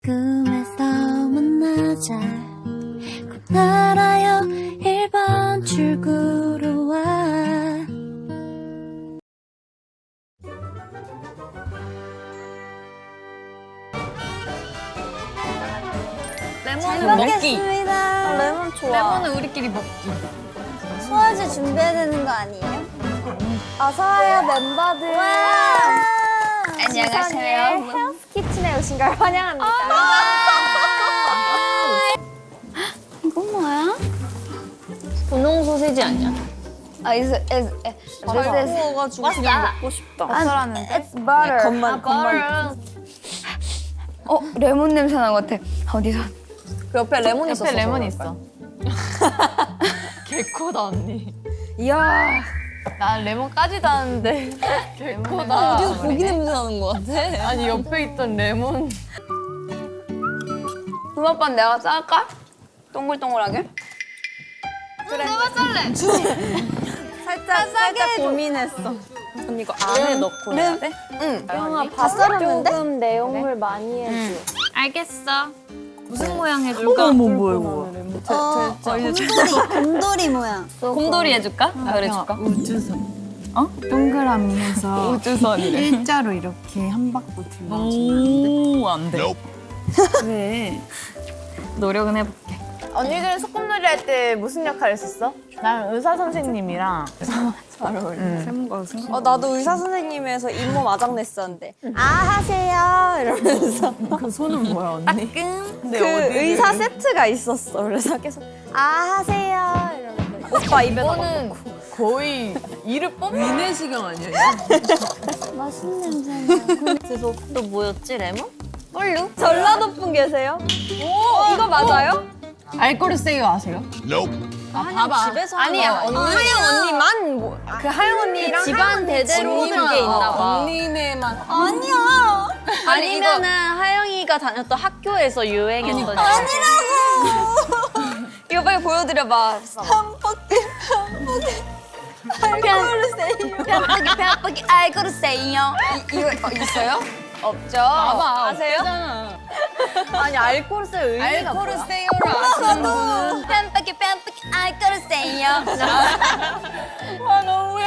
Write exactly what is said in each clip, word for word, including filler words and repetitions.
꿈에서 만나자 곧 알아요 일 번 출구로 와. 레몬은 잘 먹기. 먹겠습니다. 레몬 좋아. 레몬은 우리끼리 먹기. 소화제 준비해야 되는 거 아니에요? 어서와요 멤버들. 안녕하세요. 헬스 키친에 오신 걸 환영합니다. 이거 뭐야? 분홍 소시지 아니야? 아, 이거 잘 구워가지고 그냥 먹고 싶다. 버터라는데? It's butter. 겉만 겉만. 어, 레몬 냄새 나는 것 같아. 어디서? 그 옆에 레몬 있었어. 옆에 레몬 있어. 개코다 언니. 이야. 나 레몬까지도 하는데 개코다. 어디서 고기 냄새 나는 것 같아. 아니 옆에 있던 레몬. 붕어빵 내가 쌀까? 동글동글하게? 그래. 내가 짤래. 살짝 살짝 고민했어. 언니 이거 안에 넣고 해야 돼? 응. 영아 밥 썰었는데? 조금 내용물 많이 해줘. 알겠어. 무슨 모양 해줄까? 어머 뭐야 이거? 어, 곰돌이, 곰돌이 모양. 곰돌이 해줄까? 아, 그래줄까? 우주선. 어? 동그라미 해서 우주선이래. 일자로 이렇게 한 바퀴 둘러주는데. 오, 안 돼. 왜? 노력은 해볼게. 언니들은 소꿉놀이 할 때 무슨 역할 했었어? 난 의사 선생님이랑 잘 어울려. 세모가 생각. 어 나도 의사 선생님에서 잇몸 아작 냈었는데 아 하세요 이러면서 그 손은 뭐야 언니? 그 의사 세트가 있었어. 그래서 계속 아 하세요 이러면서 오빠 입에다 이거는 거의 이를 뽑는 위내시경 아니야? 맛있는 냄새. 그래서 또 뭐였지 레몬? 꼴루? 전라도 분 계세요? 오 이거 맞아요? 알코올세요 아세요? 아, 봐봐. 집에서 아니야 하는 언니. 하영 언니만 뭐, 그 하영 언니랑 집안 대대로 그게 있나 봐. 언니네만. 아니야. 아니면은 하영이가 다녔던 학교에서 유행했던. 이거 빨리 보여드려봐. 뺨빡이 뺨빡이 알고를 세요. 이거 어, 있어요? 없죠? 봐봐. 아세요? 없잖아. 아니 알코올세 의미가 뭐야? 알코올세요를 아시는 분은 뺨빡이 뺨빡이 알고를 세요. 와 너무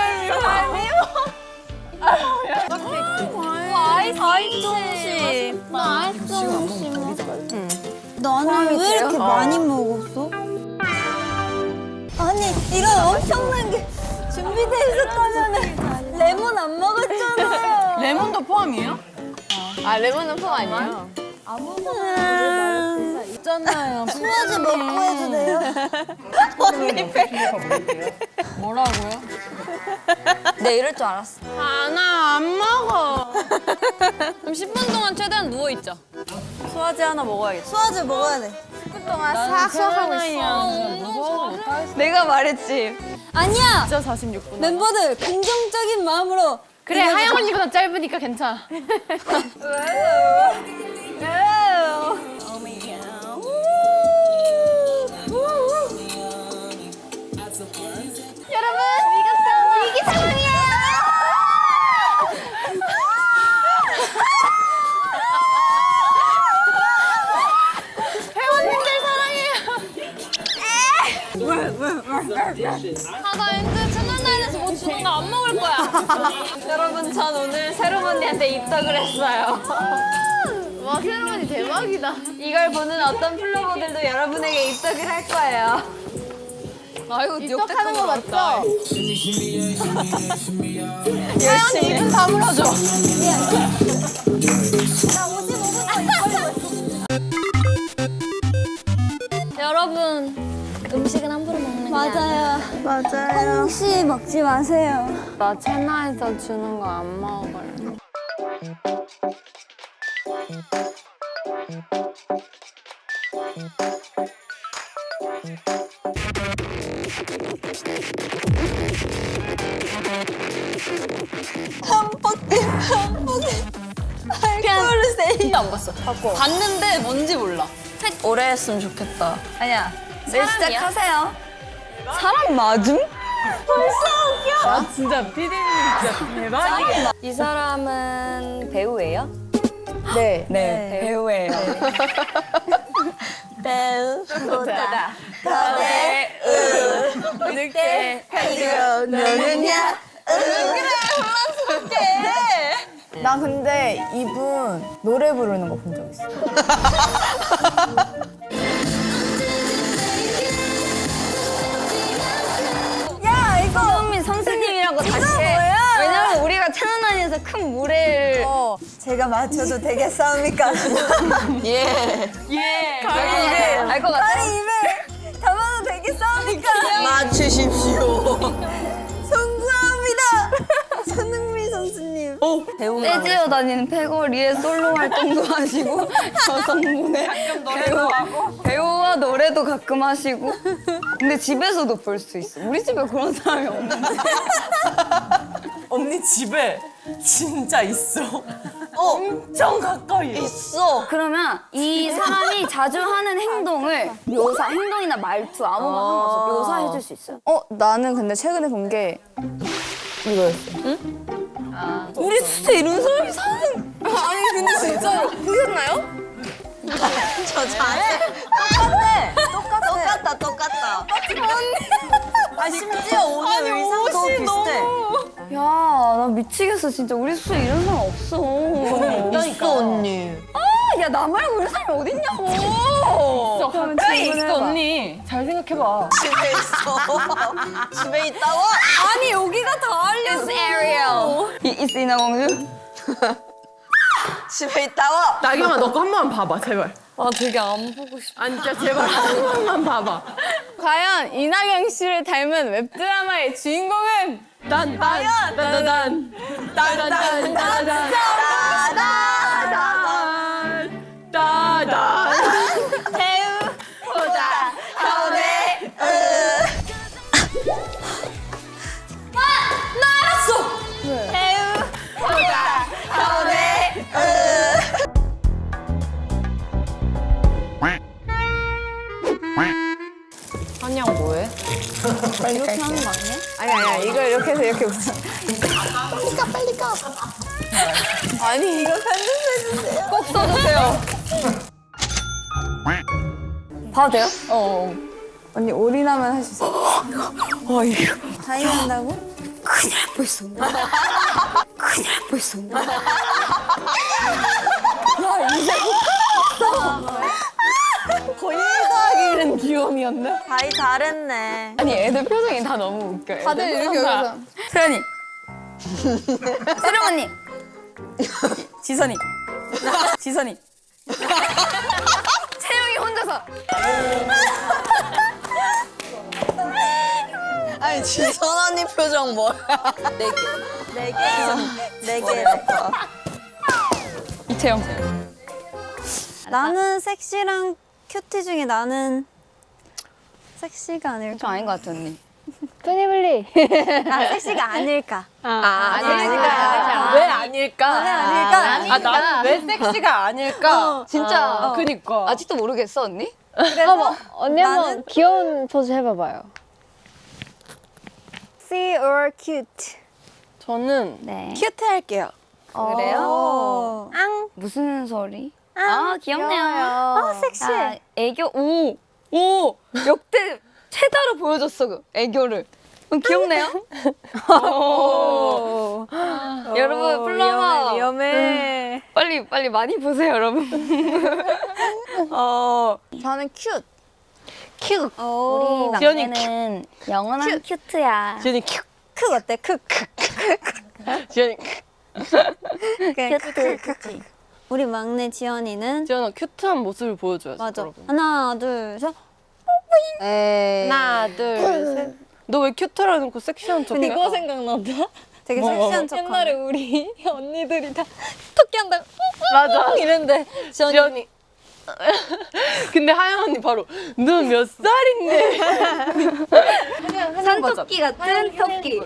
아이스 아이스 나 아이스 음식. 너는 왜 이렇게 많이 먹었어? 아니 이런 엄청난 게 준비돼 있었다면 레몬 안 먹었잖아요. 레몬도 포함이에요? 아 레몬은 포 아니에요? 있잖아요. 소화제 먹고 해도 돼요? 뭐라고요? 네 이럴 줄 알았어. 아나 안 먹어. 그럼 십 분 동안 최대한 누워 있자. 소화제 하나 먹어야겠다. 소화제 먹어야 돼. 동안 싹 수업하고 있어. 무서워 못하겠어. 내가 말했지. 아니야. 진짜 사십육 분. 멤버들 긍정적인 마음으로. 그래 하영 언니보다 짧으니까 괜찮아. 아나 엔드 채널 나인에서 뭐 주는 거 안 먹을 거야. 여러분 전 오늘 새롬 언니한테 입덕을 했어요. 와 새로운이 대박이다. 이걸 보는 어떤 플로버들도 여러분에게 입덕을 할 거예요. 아이고 입덕하는 거 맞죠? 하영이 입은 다물어줘. 여러분 음식은 함부로 먹는 게 아니야. 맞아요. 맞아요. 혹시 먹지 마세요. 나 채나에서 주는 거 안 먹을래. 진짜 안 봤어. 봤는데 뭔지 몰라. 오래 했으면 좋겠다. 아니야. 네, 사람이야? 시작하세요. 사람 맞음? 아 진짜 피디님 진짜 대박이야. 이 사람은 배우예요? 네. 네. 배우예요. 배우보다 더 배우 늑대 가지고 노느냐 나 근데 이분 노래 부르는 거 본 적 있어. 야 이거 손흥민 선생님이라고 다시 해. 왜냐면 우리가 천안에서 큰 물회를 어, 제가 맞춰도 되겠습니까? 예. 알것 같아. 아니 입에 담아도 되겠습니까? 맞추십시오. 송구합니다. 손흥민 선수님. 떼지어 다니는 패거리에 솔로 활동도 하시고 여성분의 배우, 배우와 노래도 가끔 하시고 근데 집에서도 볼 수 있어. 우리 집에 그런 사람이 없는데. 언니 집에 진짜 있어. 엄청 가까이 있어. 그러면 이 사람이 자주 하는 행동을 묘사, 행동이나 말투 아무거나 상관없어 묘사해 줄 수 있어요. 어, 나는 근데 최근에 본 게 이거였어. 우리 진짜 이런 사람이 사는. 아니 근데 진짜로 보셨나요? 저 잘해. 똑같아. 똑같다. 똑같다. 아 심지어 오늘 의상도 비슷해. 야, 나 미치겠어 진짜. 우리 숙소에 이런 사람 없어. 있어 언니. 아, 야, 나 말고 이런 사람이 어딨냐고. 가까이 있어 언니. 잘 생각해봐. 집에 있어. 집에 있다고? 아니 여기가 다 알려줘. It's Ariel. 이 is 인어공주. 집에 있다고? 나경아 너 거 한 번만 봐봐 제발. 아, 되게 안 보고 싶어. 아니 진짜 제발 한 번만 봐봐. 과연 이나경 씨를 닮은 웹드라마의 주인공은 딴딴딴딴딴딴딴딴딴 따단 배우보다 더 배우. 배우보다 더 배우. 한양 뭐해? 이렇게 하는 거 아니야? 아니 아니야 이거 이렇게 해서 이렇게 붙여. 아니 이거 편집해주세요. 꼭 써주세요. 봐도 돼요? 어. 언니 올인하면 할 수 있어. 어 이거. 다이어 한다고? 그냥 벌써. 그냥 벌써. 본인도 하기는 귀여움이었나? 다이 잘했네. 아니 애들 표정이 다 너무 웃겨. 다들 애들 이렇게 표정 다. 여기서. 수연이. 세령 언니. 지선이. 지선이. 채영이 혼자서. 아니 지선 언니 표정 뭐야? 네 개. 네 개. 네 개. 이채영. 나는 섹시랑 큐티 중에 나는 섹시가 아닐까? 좀 아닌 것 같아 언니. 뿌니블리. 아 섹시가 아닐까? 아, 아닐까? 왜 아닐까? 왜 아닐까? 아 나는 왜 섹시가 아닐까? 진짜. 그니까. 아직도 모르겠어 언니? 그래서 언니 나는- 한번 귀여운 포즈 해봐봐요. see or cute. 저는 네. 큐트 할게요. 그래요? 오. 앙. 무슨 소리? 아 귀엽네요. 아 섹시해. 아, 애교 오! 오! 역대 최다로 보여줬어 그 애교를. 어, 귀엽네요. 오. 여러분 플라워 위험해. 빨리 빨리 많이 보세요 여러분. 어 저는 큐트. 큐. 오. 우리 지연이 막내는 영원한 큐트야. 지연이 큐. 크 어때? 크. 크. 지연이 그냥 큐트. 큐티. 우리 막내 지연이는 지연아 큐트한 모습을 보여줘야지. 맞아. 여러분. 하나 둘 셋. 에이. 하나 둘 셋. 너 왜 큐트라 해놓고 섹시한 척해? 이거 생각난다. 되게 뭐, 섹시한 척. 옛날에 우리 언니들이 다 토끼 한다고 맞아. 이런데 지연이 지연이. 근데 하영 언니 바로 너 몇 살인데? 산토끼 같은 토끼.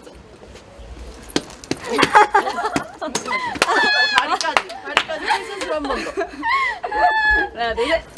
다리까지 다리까지 헬스를 한 번 더. 하나 둘 셋.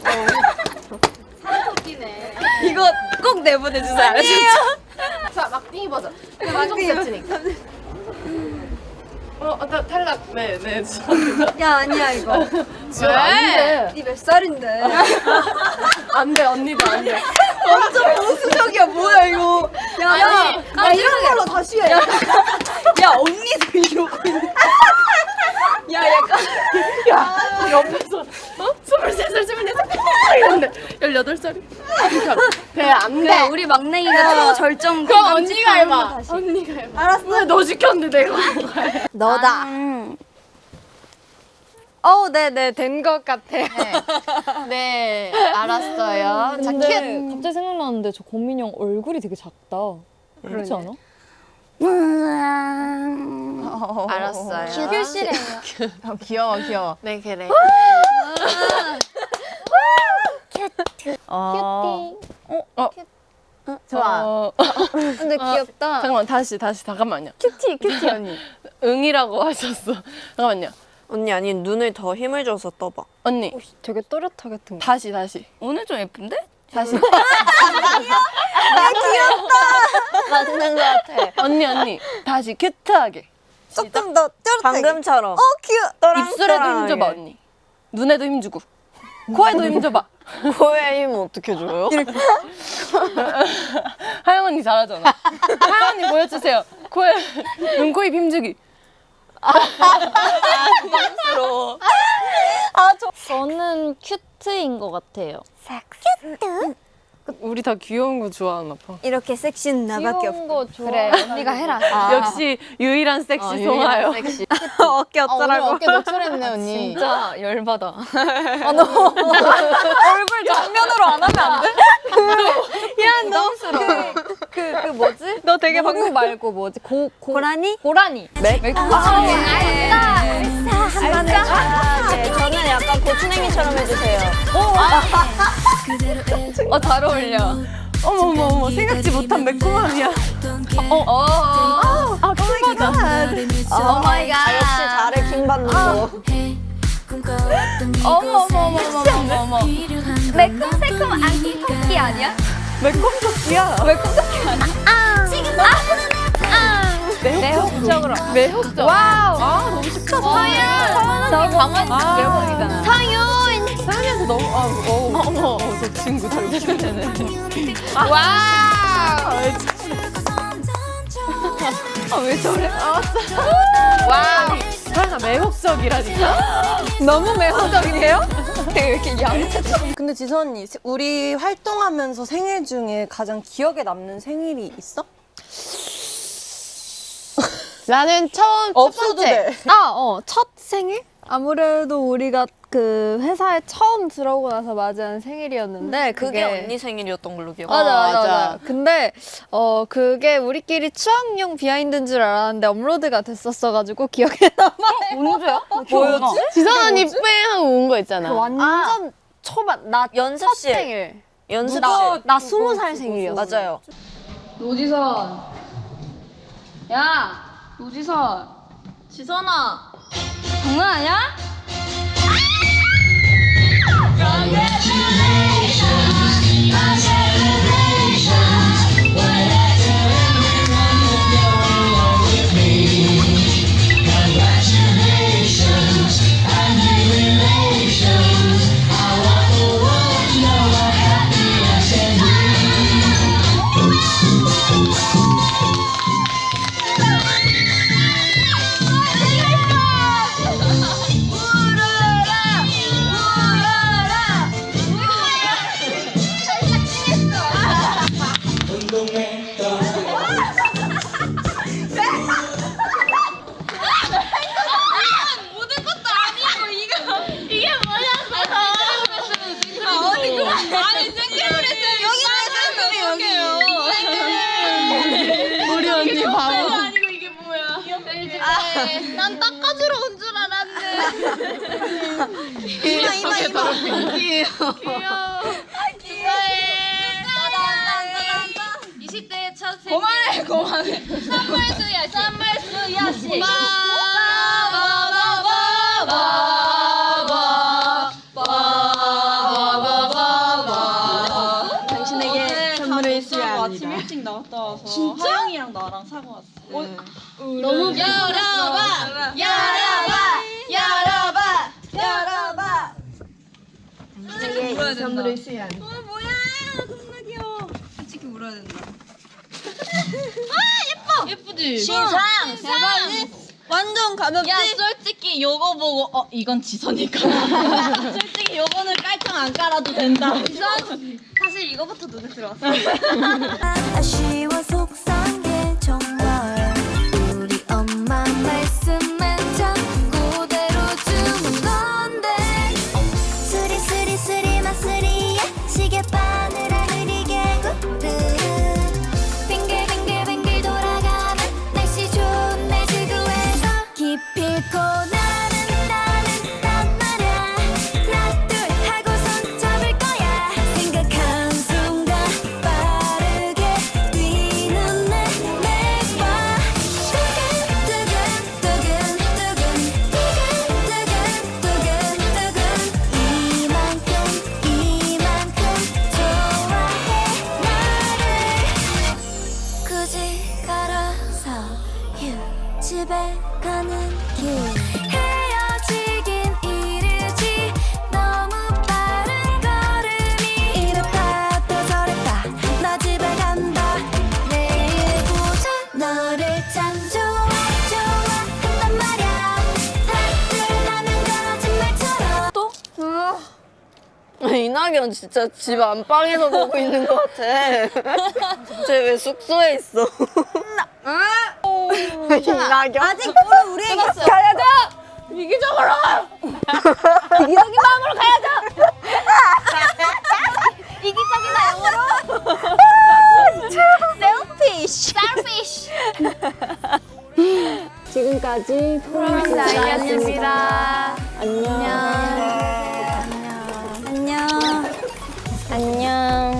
이거 꼭 내보내주세요. 알았죠? 자 막둥이 버전. 막둥이 세트니까. 어, 나 탈락. 네, 네. 야 아니야 이거. 왜? 니 몇 살인데? 안 돼, 언니도 안 돼. 완전 보수적이야 뭐야 이거. 야, 야, 야 이런 걸로 다시 해. 야, 야 언니도 이러고 있네. 야 약간 야, 옆에서, 어? 스물세 살, 스물네 살, 이런데, 열여덟 살이. 돼, 안 돼. 우리 막내기가 초절정. 그럼 언니가 해봐. 언니가 해봐. 알았어. 왜 너 시켰는데 내가 한 거야? 너다. 어, 네네, 된 것 같아요. 네, 알았어요. 자, 근데 큐. 갑자기 생각나는데 저 고민형 얼굴이 되게 작다. 그렇지 않아? 알았어요. 큐시래요. 어, 귀여워 귀여워. 네, 그래. 어. 어. 좋아. 어, 근데 귀엽다. 잠깐만, 다시, 다시, 잠깐만요. 큐티 큐티 언니. 응이라고 하셨어. 잠깐만요. 언니 아니 눈을 더 힘을 줘서 떠봐. 언니, 되게 또렷하게 뜬 거. 다시, 다시. 오늘 좀 예쁜데? 다시. 맞는 것 같아. 언니, 언니. 다시, 큐트하게. 조금 더 뚜렷하게. 방금처럼. 어 귀여. 입술에도 힘줘봐, 언니. 눈에도 힘주고. 코에도 힘줘봐. 코에 힘 어떻게 줘요? 하영 언니 잘하잖아. 하영 언니 보여주세요. 코에, 눈, 코, 입 힘주기. 부러워. 저는 큐트인 것 같아요. 우리 다 귀여운 거 좋아하나 봐. 이렇게 섹시는 나밖에 없어. 귀여운 거 좋아. 그래, 언니가 해라. 역시 유일한 섹시 송하요. 섹시. 어깨 오늘 어쩌라고. 어깨 노출했네 언니. 진짜 열받아. 아, 너 얼굴 정면으로 안 하면 안 돼? 야, 너 그, 그, 그 뭐지? 너 되게 방금 말고 뭐지? 고, 고, 고라니? 고라니. 맥? 아, 네, 저는 약간 고추냉이처럼 해주세요. 어, 잘 어울려. 어머 어머 어머 생각지 못한 매콤함이야. 어, 어. 아 킹받아. 오 마이 갓. 아, 역시 잘해 킹 받는 거. 어머, 어머, 어머, 어머, 어머, 어머. 매콤새콤 안기 토끼 아니야? 매콤 토끼야. 매콤 토끼 아니야? 아, 지금 아, 아. 매혹적으로. 매혹적. 와우. 아 너무 쉽다. 서윤. 너무 강한 매혹이잖아. 서윤. 사연이한테 너무 아 어, 어머 어, 저 친구 잘 웃기네. 와우. 아, 왜 저래? 와우. 사연아 매혹적이라니까. 너무 매혹적이에요? 되게 이렇게 얌체처럼. 근데 지선 언니, 우리 활동하면서 생일 중에 가장 기억에 남는 생일이 있어? 나는 처음 없어도 돼. 아, 어, 첫 생일? 아무래도 우리가 그 회사에 처음 들어오고 나서 맞이한 생일이었는데 그게 그게 언니 생일이었던 걸로 기억. 맞아, 맞아, 맞아. 맞아. 근데 어 그게 우리끼리 추억용 비하인드인 줄 알았는데 업로드가 됐었어가지고 기억에 남아. 언제야? 뭐였지? 지선 언니 빼 하고 온 거 있잖아. 완전 초반 나 첫 연습실. 생일. 연습실. 나, 나 스무 살 생일이었어. 맞아요. 노지선. 야, 노지선. 지선아. 장난하냐? 우리 언니 바보. 난 닦아주러 온 줄 알았네. 이마 이마 이마. 귀여워. 축하해. 이십 대의 첫 생일. 그만해, 그만해. 선물수야, 선물수야 씨. 당신에게 선물을 수야 합니다. 아침 일찍 나갔다 와서 진짜? 하영이랑 나랑 사고 왔어. 너무 열어봐 열어봐 열어봐 열어봐 울어야 된다. 어 뭐야 겁나 귀여워. 솔직히 울어야 된다. 아 예뻐. 예쁘지. 신상 대박이 완전 가볍지. 야 솔직히 요거 보고 어 이건 지선이가 솔직히 요거는 깔창 안 깔아도 된다 사실 이거부터 눈에 들어왔어. 아쉬워 속상해 정말 우리 엄마 말씀만 자꾸 대로주는 건데 수리수리 수리마수리야 시계바늘아 느리게 구르르 빙글빙글빙글 돌아가는 날씨 좋은 날 지구에서 기필코 나는 나는 난 말야 하나 둘 하고선 잡을 거야 생각한 순간 빠르게 뛰는 내 내과 두근두근 두근두근 두근두근 두근두근 이만큼 이만큼 좋아해 나를 굳이 걸어서 휴 집에 가는 길 헤어지긴 이르지 너무 빠른 걸음이 이렇다 또 저랬다 나 집에 간다 내일 보자 너를 참 좋아 좋아한단 말야 다들 나는 거짓말처럼 또? 이낙연 진짜 집 안방에서 보고 있는 것 같아. 쟤 왜 숙소에 있어? 이낙연? 아직 모르 우리에게 가야죠. 이기적으로! 이기적인 마음으로 가야죠. 이기적이다 영어로. 셀피쉬. 셀피쉬. 지금까지 프로미스 나이였습니다. 안녕. 안녕 안녕.